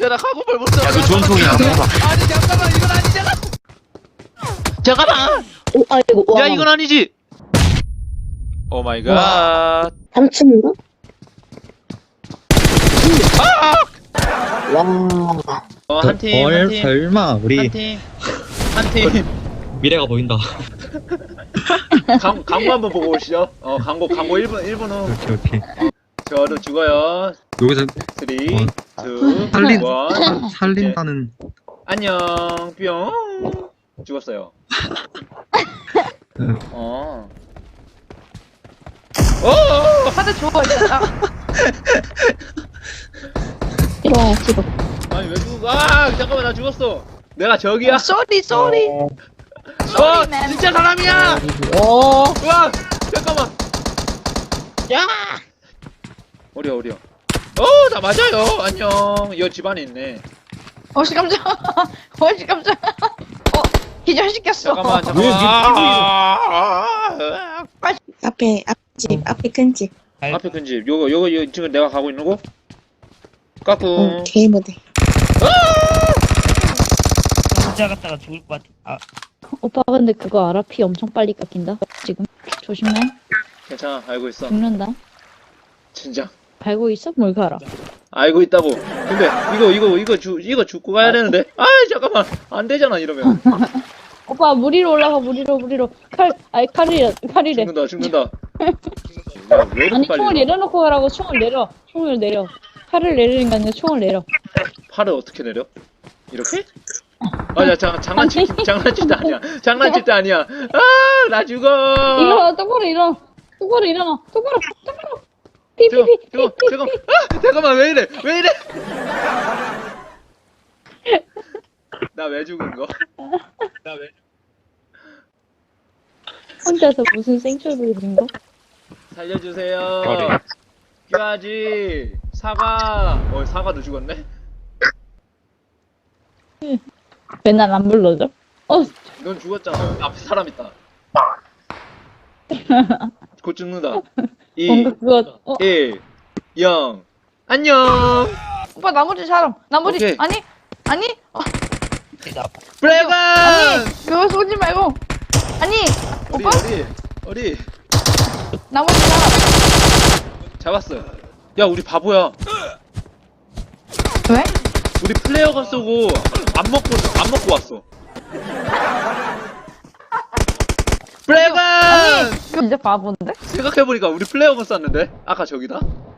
나 가고팔 못 써. 야, 그 좋은 총이야. 해봐. 아니 잠깐만 이건 아니잖아. 잠깐만. 오, 아이고, 와. 야 이건 아니지. 오 마이 갓. 3층인가? 와. 한 팀, 한 팀, 설마 우리 한 팀, 한 팀. 미래가 보인다. 광고 한번 보고 오시죠. 광고 1분 후. 오케이 오케이. 저도 죽어요. 여기서 3, 2, 1. 살린다는. 안녕 뿅. 죽었어요. 하드 주워 있잖아. 이거 지금. 아니 왜 죽어? 아 잠깐만 나 죽었어. 내가 저기야? 쏘리 쏘리. 맨. 진짜 사람이야. 오. 우와 잠깐만. 야! 어려. 나 맞아요. 안녕. 이거 집 안에 있네. 어시 깜짝. 어시 깜짝. 기절시켰어. 잠깐만. 앞에 앞집 앞에 큰 집. 앞에 큰 집. 요거 지금 내가 가고 있는 거? 까꿍. 개모대. 혼자 갔다가 죽을 것 같아. 오빠 근데 그거 알아? 피 엄청 빨리 깎인다. 지금 조심해. 괜찮아. 알고 있어. 죽는다. 진짜. 알고 있어? 뭘 알아? 알고 있다고. 근데 이거 죽고 가야 되는데. 아 잠깐만. 안 되잖아 이러면. 오빠 물 위로 올라가. 물 위로. 칼이래. 죽는다. 야, 왜 이렇게 아니 빨리 총을 일어나? 내려놓고 가라고. 총을 내려. 칼을 내리는 게 아니라 총을 내려. 팔을 어떻게 내려? 이렇게? 야 장난칠 때 아니야. 아 나 죽어. 일어나. 똑바로 일어나. 똑바로. 잠깐만 왜 이래? 나 왜 죽은 거? 혼자서 무슨 생초를 부린 거? 살려주세요. 뼈아지 사과. 사과도 죽었네. 왜 날 안 불러줘? 넌 죽었잖아. 앞에 사람 있다. 곧 죽는다. 2, 뭔가 그거 1, 0. 안녕. 오빠 나머지 사람. 오케이. 아니. 브레건. 그거 쏘지 말고. 아니. 오빠 어디? 나머지 사람. 잡았어. 야 우리 바보야. 왜? 우리 플레이어가 쏘고 안 먹고 왔어. 브레건. 진짜 바본데? 생각해보니까 우리 플레이어가 쐈는데 아까 저기다.